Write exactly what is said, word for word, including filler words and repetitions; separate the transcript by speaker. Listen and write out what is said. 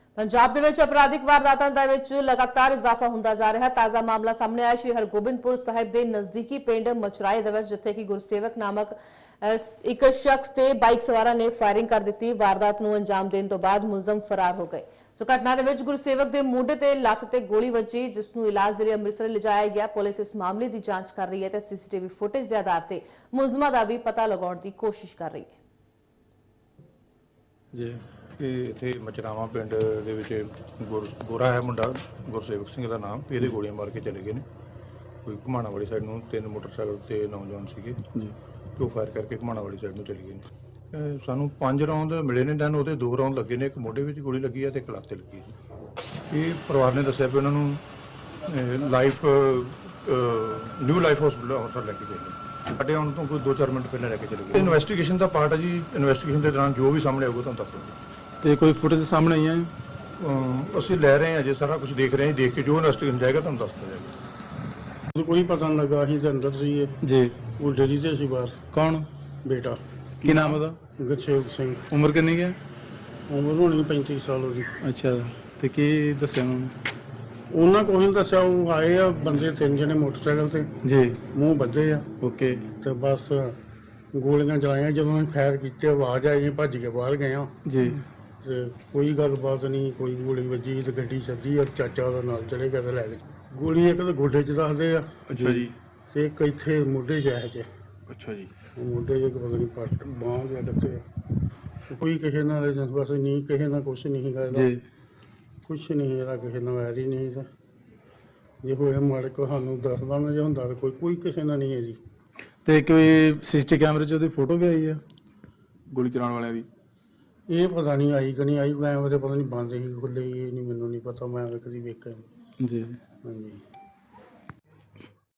Speaker 1: पंजाब ਦੇ ਵਿੱਚ ਅਪਰਾਧਿਕ ਵਾਰਦਾਤਾਂ ਦੇ ਵਿੱਚ ਲਗਾਤਾਰ ਇਜ਼ਾਫਾ ਹੁੰਦਾ ਜਾ ਰਿਹਾ ਹੈ। ਤਾਜ਼ਾ ਮਾਮਲਾ ਸਾਹਮਣੇ ਆਇਆ ਸ਼੍ਰੀ ਹਰਗੋਬਿੰਦਪੁਰ ਸਾਹਿਬ ਦੇ ਨਜ਼ਦੀਕੀ ਪਿੰਡ ਮਚਰਾਏ ਦੇ ਵਿੱਚ, ਜਿੱਥੇ ਕਿ ਗੁਰਸੇਵਕ ਨਾਮਕ ਇੱਕ ਸ਼ਖਸ ਤੇ ਬਾਈਕ ਸਵਾਰਾਂ ਨੇ ਫਾਇਰਿੰਗ ਕਰ ਦਿੱਤੀ। ਵਾਰਦਾਤ ਨੂੰ ਅੰਜਾਮ ਦੇਣ ਤੋਂ ਬਾਅਦ ਮੁਲਜ਼ਮ ਫਰਾਰ ਹੋ ਗਏ। ਸੋ ਘਟਨਾ ਦੇ ਵਿੱਚ ਗੁਰਸੇਵਕ ਦੇ ਮੋਢੇ ਤੇ ਲੱਤ ਤੇ ਗੋਲੀ ਵੱਜੀ, ਜਿਸ ਨੂੰ ਇਲਾਜ ਦੇ ਲਈ ਅੰਮ੍ਰਿਤਸਰ ਲਿਜਾਇਆ ਗਿਆ। ਪੁਲਿਸ ਇਸ ਮਾਮਲੇ ਦੀ ਜਾਂਚ ਕਰ ਰਹੀ ਹੈ ਤੇ ਸੀਸੀਟੀਵੀ ਫੁਟੇਜ ਦੇ ਆਧਾਰ ਤੇ ਮੁਲਜ਼ਮਾਂ ਦਾ ਵੀ ਪਤਾ ਲਗਾਉਣ ਦੀ ਕੋਸ਼ਿਸ਼ ਕਰ ਰਹੀ ਹੈ।
Speaker 2: ਜੀ ਇਹ ਇੱਥੇ ਮਚਰਾਵਾਂ ਪਿੰਡ ਦੇ ਵਿੱਚ ਗੁਰ ਗੋਰਾ ਹੈ ਮੁੰਡਾ, ਗੁਰਸੇਵਕ ਸਿੰਘ ਦਾ ਨਾਮ। ਇਹਦੇ ਗੋਲੀਆਂ ਮਾਰ ਕੇ ਚਲੇ ਗਏ ਨੇ। ਕੋਈ ਘੁਮਾਣਾ ਵਾਲੀ ਸਾਈਡ ਨੂੰ ਤਿੰਨ ਮੋਟਰਸਾਈਕਲ ਤੇ ਨੌਜਵਾਨ ਸੀਗੇ ਜੀ, ਤੇ ਉਹ ਫਾਇਰ ਕਰਕੇ ਘੁਮਾਣਾ ਵਾਲੀ ਸਾਈਡ ਨੂੰ ਚਲੇ ਗਏ ਨੇ। ਸਾਨੂੰ ਪੰਜ ਰੌਂਦ ਮਿਲੇ ਨੇ, ਦੈਨ ਉਹਦੇ ਦੋ ਰੌਂਦ ਲੱਗੇ ਨੇ। ਇੱਕ ਮੋਢੇ ਵਿੱਚ ਗੋਲੀ ਲੱਗੀ ਹੈ ਤੇ ਇੱਕ ਲੱਤ ਤੇ ਲੱਗੀ ਹੈ। ਇਹ ਪਰਿਵਾਰ ਨੇ ਦੱਸਿਆ ਵੀ ਉਹਨਾਂ ਨੂੰ life new life hospital Amritsar ਲੈ ਕੇ ਗਏ ਨੇ। ਸਾਡੇ ਆਉਣ ਤੋਂ ਕੋਈ ਦੋ ਚਾਰ ਮਿੰਟ ਪਹਿਲਾਂ ਲੈ ਕੇ ਚਲੇ ਗਏ। ਇਨਵੈਸਟੀਗੇਸ਼ਨ ਦਾ ਪਾਰਟ ਹੈ ਜੀ। ਇਨਵੈਸਟੀਗੇਸ਼ਨ ਦੇ ਦੌਰਾਨ ਜੋ ਵੀ ਸਾਹਮਣੇ ਆਊਗਾ ਤੁਹਾਨੂੰ ਦੱਸ ਦਿਆਂਗੇ।
Speaker 3: ਤੇ ਕੋਈ ਫੁਟੇਜ ਸਾਹਮਣੇ ਆਈ ਹੈ?
Speaker 2: ਅਸੀਂ ਲੈ ਰਹੇ ਹਾਂ, ਅਜੇ ਸਾਰਾ ਕੁਝ ਦੇਖ ਰਹੇ ਹਾਂ। ਦੇਖ ਕੇ ਜੋ ਇਨਵੈਸਟੀਗੇਸ਼ਨ ਜਾਏਗਾ ਤੁਹਾਨੂੰ ਦੱਸ ਦਿੱਤਾ ਜਾਏਗਾ।
Speaker 4: ਕੋਈ ਪਤਾ ਨਹੀਂ ਲੱਗਾ, ਅਸੀਂ ਤਾਂ ਅੰਦਰ ਸੀਗੇ
Speaker 3: ਜੀ।
Speaker 4: ਉਹ ਡੇਰੀ ਤੇ ਸੀ ਬਾਹਰ।
Speaker 3: ਕੌਣ?
Speaker 4: ਬੇਟਾ।
Speaker 3: ਕੀ ਨਾਮ ਉਹਦਾ?
Speaker 4: ਗੁਰਸੇਵਕ ਸਿੰਘ।
Speaker 3: ਉਮਰ ਕਿੰਨੀ ਹੈ?
Speaker 4: ਉਮਰ ਹੋਣੀ ਪੈਂਤੀ ਸਾਲ ਉਹਦੀ।
Speaker 3: ਅੱਛਾ, ਤੇ ਕੀ ਦੱਸਿਆ ਉਹਨਾਂ ਨੇ?
Speaker 4: ਉਹਨਾਂ ਕੋਲ ਨਹੀਂ ਦੱਸਿਆ। ਉਹ ਆਏ ਆ ਬੰਦੇ ਤਿੰਨ ਜਣੇ ਮੋਟਰਸਾਈਕਲ ਤੇ,
Speaker 3: ਜੀ।
Speaker 4: ਮੂੰਹ ਬੱਧੇ ਆ
Speaker 3: ਓਕੇ।
Speaker 4: ਤੇ ਬਸ ਗੋਲੀਆਂ ਚਲਾਈਆਂ। ਜਦੋਂ ਅਸੀਂ ਫਾਇਰ ਕੀਤੇ, ਆਵਾਜ਼ ਆਈ, ਅਸੀਂ ਭੱਜ ਕੇ ਬਾਹਰ ਗਏ ਆ।
Speaker 3: ਜੀ।
Speaker 4: ਤੇ ਕੋਈ ਗੱਲਬਾਤ ਨਹੀਂ, ਕੋਈ ਗੋਲੀ ਵੱਜੀ ਤੇ ਗੱਡੀ ਛੱਡੀ ਔਰ ਚਾਚਾ ਉਹਦਾ ਨਾਲ ਚਲੇ ਗਿਆ ਤੇ ਲੈ ਗਏ। ਗੋਲੀ ਇੱਕ ਤਾਂ ਗੋਡੇ 'ਚ ਦੱਸਦੇ ਆ।
Speaker 3: ਅੱਛਾ ਜੀ।
Speaker 4: ਤੇ ਇੱਕ ਇੱਥੇ ਮੋਢੇ 'ਚ ਹੈ 'ਚ
Speaker 3: ਅੱਛਾ ਜੀ।
Speaker 4: ਮੋਢੇ 'ਚ ਪਤਾ ਨਹੀਂ ਪੱਟ ਬਾਂਹ ਜਾਂ ਕਿੱਥੇ। ਕੋਈ ਕਿਸੇ ਨਾਲ ਰੇਜੈਂਸ ਬਸ ਨਹੀਂ, ਕਿਸੇ ਨਾਲ ਕੁਛ ਨਹੀਂ ਹੈਗਾ ਇਹਦਾ।
Speaker 3: ਜੀ।
Speaker 4: ਕੁਛ ਨਹੀਂ ਇਹਦਾ, ਕਿਸੇ ਨਾਲ ਵੈਰ ਹੀ ਨਹੀਂ ਤਾਂ ਜੇ ਹੋਇਆ ਮਾੜੇ ਕੋ ਸਾਨੂੰ ਦੱਸਦਾ ਨਾ, ਜੇ ਹੁੰਦਾ ਕੋਈ ਕੋਈ ਕਿਸੇ ਨਾਲ ਨਹੀਂ ਹੈ ਜੀ।
Speaker 3: ਤੇ ਕੋਈ ਸੀਸੀਟੀ ਕੈਮਰੇ 'ਚ ਉਹਦੀ ਫੋਟੋ ਵੀ ਆਈ ਹੈ ਗੋਲੀ ਚਲਾਉਣ ਵਾਲਿਆਂ ਦੀ?
Speaker 4: ਇਹ ਪਤਾ ਨਹੀਂ ਆਈ ਕਿ ਨਹੀਂ ਆਈ। ਕੈਮਰੇ ਪਤਾ ਨਹੀਂ ਬੰਦ ਸੀ, ਖੁੱਲੇ ਸੀ, ਇਹ ਨਹੀਂ ਮੈਨੂੰ ਨਹੀਂ ਪਤਾ। ਮੈਂ ਕਦੀ ਵੇਖਿਆ ਨਹੀਂ।
Speaker 3: ਜੀ।
Speaker 4: ਹਾਂਜੀ।